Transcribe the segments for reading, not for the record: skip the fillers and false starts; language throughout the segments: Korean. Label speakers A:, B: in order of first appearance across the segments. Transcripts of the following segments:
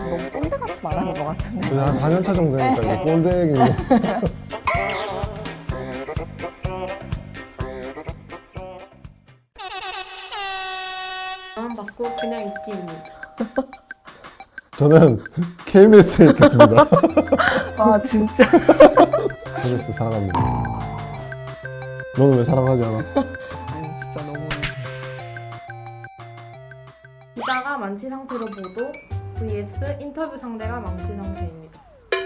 A: 너무 꼰대같이 말하는 것 같은데.
B: 한 4년차 정도 되니까 이제 꼰대 얘기.
C: 받고 그냥 있기입니다.
B: 저는 KBS에 있겠습니다.
A: 아 진짜.
B: KBS 사랑합니다. 너는 왜 사랑하지 않아?
A: 아니 진짜 너무.
C: 기자가 만취 상태로 보도 vs 인터뷰 상대가 만취 상태입니다.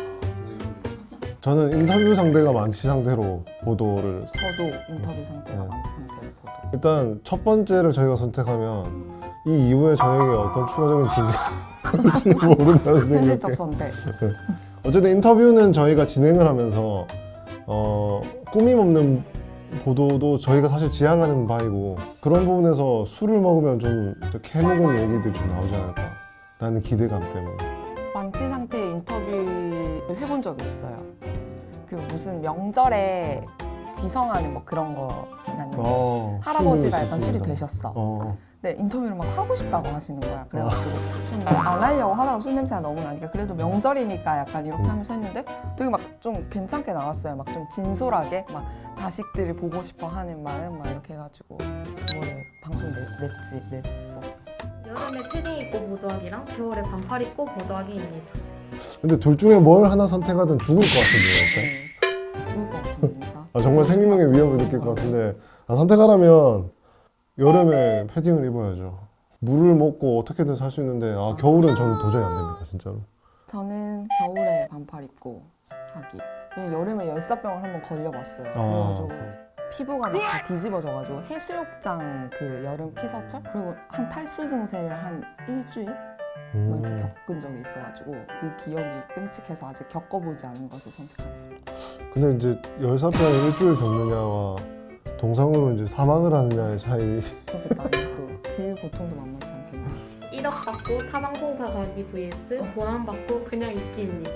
B: 저는 인터뷰 상대가 만취 상태로 보도를
A: 저도 인터뷰 상태가
B: 네.
A: 많지 상태로 보도.
B: 일단 첫 번째를 저희가 선택하면 이 이후에 저에게 어떤 추가적인 진행이 올지 모른다는
A: 현실적
B: 생각에
A: 선택.
B: 어쨌든 인터뷰는 저희가 진행을 하면서 꾸밈 없는 보도도 저희가 사실 지향하는 바이고 그런 부분에서 술을 먹으면 좀 캐먹은 얘기들이 좀 나오지 않을까라는 기대감 때문에
A: 만취 상태의 인터뷰를 해본 적이 있어요. 그 무슨 명절에 귀성하는 뭐 그런 거 났는데 할아버지가 약간 술이 되셨어. 네, 인터뷰를 막 하고 싶다고 하시는 거야. 그래가지고 좀 안 하려고 하다가 술 냄새가 너무 나니까 그래도 명절이니까 약간 이렇게 하면서 했는데 되게 막 좀 괜찮게 나왔어요. 막 좀 진솔하게 막 자식들이 보고 싶어 하는 마음 막 이렇게 해가지고 그거를 방송 냈었어.
C: 여름에 패딩 입고 보도하기랑 겨울에 반팔 입고 보도하기입니다.
B: 근데 둘 중에 뭘 하나 선택하든 죽을 것 같은데요.
A: 죽을 것 같은데 진짜.
B: 정말 생명의 위협을 느낄 것 같은데 선택하라면 여름에 패딩을 입어야죠. 물을 먹고 어떻게든 살 수 있는데 겨울은 저는 도저히 안 됩니다 진짜로.
A: 저는 겨울에 반팔 입고 하기. 왜냐면 여름에 열사병을 한번 걸려봤어요. 그래가지고 피부가 막 다 뒤집어져가지고 해수욕장 그 여름 피서철 그리고 한 탈수 증세를 한 일주일 뭐 이렇게 겪은 적이 있어가지고 그 기억이 끔찍해서 아직 겪어보지 않은 것을 선택하겠습니다.
B: 근데 이제 열사병을 일주일 겪느냐와 동상으로 이제 사망을 하느냐의 차이.
A: 그렇겠다. 그 고통도 만만치 않겠네.
C: 1억 받고 타방송사 가기 vs 보람 받고 그냥 있기입니다.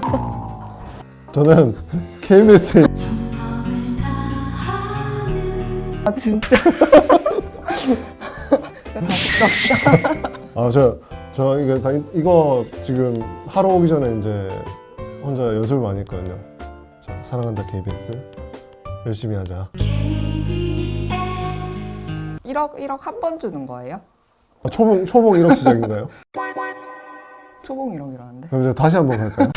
B: 저는 KBS에
A: 아 진짜. 진짜 가식스럽다.
B: 저 이거 지금 하러 오기 전에 이제 혼자 연습을 많이 했거든요. 자, 사랑한다 KBS 열심히 하자.
A: 1억 한 번 주는 거예요?
B: 초봉 1억 시작인가요?
A: 초봉 1억이라는데.
B: 그럼 이제 다시 한번 갈까요?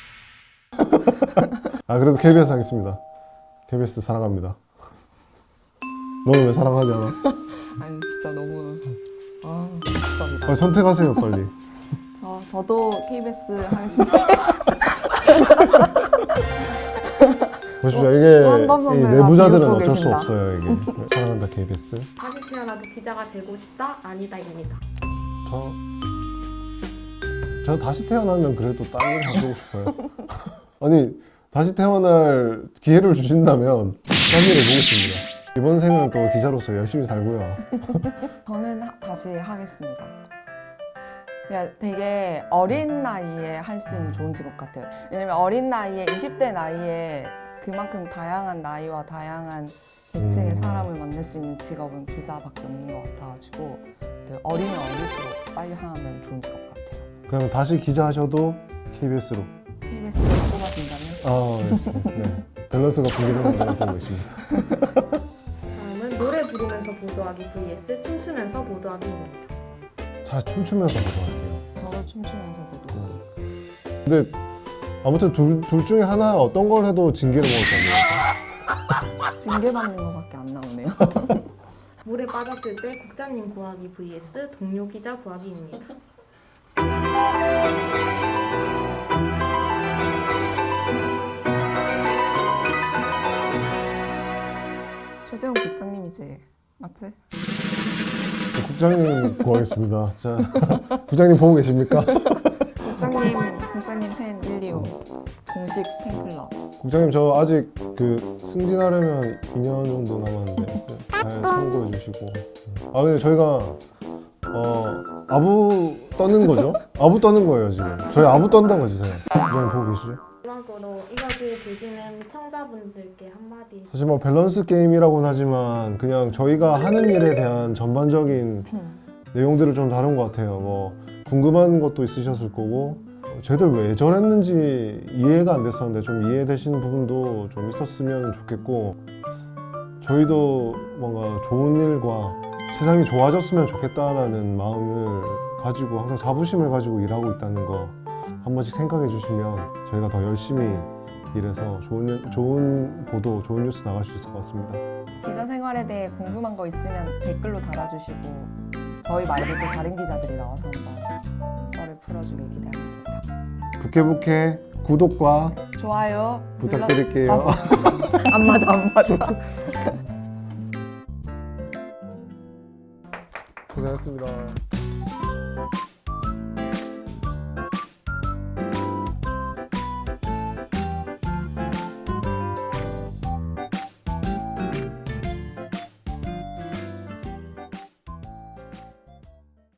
B: 그래도 KBS 하겠습니다. KBS 사랑합니다. 너는 왜 사랑하지 않아?
A: 아니 진짜 너무 가식적이다.
B: 선택하세요 빨리.
A: 저도 KBS 하겠습니다.
B: 보십시오. 이게
A: 한밤
B: 이
A: 선배가
B: 내부자들은
A: 비웃고
B: 어쩔 수
A: 계신다.
B: 없어요. 이게 사랑한다 KBS.
C: 다시 태어나도 기자가 되고 싶다 아니다입니다.
B: 저 다시 태어나면 그래도 딴 일 하고 싶어요. 아니 다시 태어날 기회를 주신다면 딴 일을 보겠습니다. 이번 생은 또 기자로서 열심히 살고요.
A: 저는 다시 하겠습니다. 그냥 되게 어린 나이에 할 수 있는 좋은 직업 같아요. 왜냐면 어린 나이에 20대 나이에 그만큼 다양한 나이와 다양한 계층의 사람을 만날 수 있는 직업은 기자밖에 없는 것 같아가지고 어리면 어릴수록 빨리 하면 좋은 직업 같아요.
B: 그러면 다시 기자 하셔도 KBS로.
A: KBS가 뽑아준다면?
B: 네. 밸런스가 붕괴되는 걸 보고 있습니다.
C: 다음은 노래 부르면서 보도하기 vs 춤추면서 보도하기입니다.
B: 잘 춤추면서 보도할게요.
A: 저도 춤추면서 보도.
B: 근데 아무튼 둘 중에 하나 어떤 걸 해도 징계를 먹을 겁니다.
A: 징계받는 거밖에 안 나오네요.
C: 물에 빠졌을 때 국장님 구하기 vs 동료 기자 구하기입니다.
A: 최재형 국장님이지, 맞지?
B: 국장님 구하겠습니다. 자, 국장님 보고 계십니까?
A: 국장님 팬 125 공식 팬클럽.
B: 국장님 저 아직 승진하려면 2년 정도 남았는데 잘 참고해 주시고. 근데 저희가 아부 떠는 거죠? 아부 떠는 거예요 지금. 저희 아부 떤다고 해주세요. 국장님 보고 계시죠?
C: 마지막으로 이것을 보시는 시청자분들께 한마디.
B: 사실 뭐 밸런스 게임이라고는 하지만 그냥 저희가 하는 일에 대한 전반적인 내용들을 좀 다룬 것 같아요. 뭐 궁금한 것도 있으셨을 거고 쟤들 왜 저랬는지 이해가 안 됐었는데 좀 이해되시는 부분도 좀 있었으면 좋겠고 저희도 뭔가 좋은 일과 세상이 좋아졌으면 좋겠다라는 마음을 가지고 항상 자부심을 가지고 일하고 있다는 거 한 번씩 생각해 주시면 저희가 더 열심히 일해서 좋은 보도, 좋은 뉴스 나갈 수 있을 것 같습니다.
A: 기자 생활에 대해 궁금한 거 있으면 댓글로 달아주시고 저희 말고도 다른 기자들이 나와서 한번 썰을 풀어주길 기대하겠습니다.
B: 부캐부캐 구독과
A: 좋아요
B: 부탁드릴게요.
A: 안 맞아.
B: 고생하셨습니다.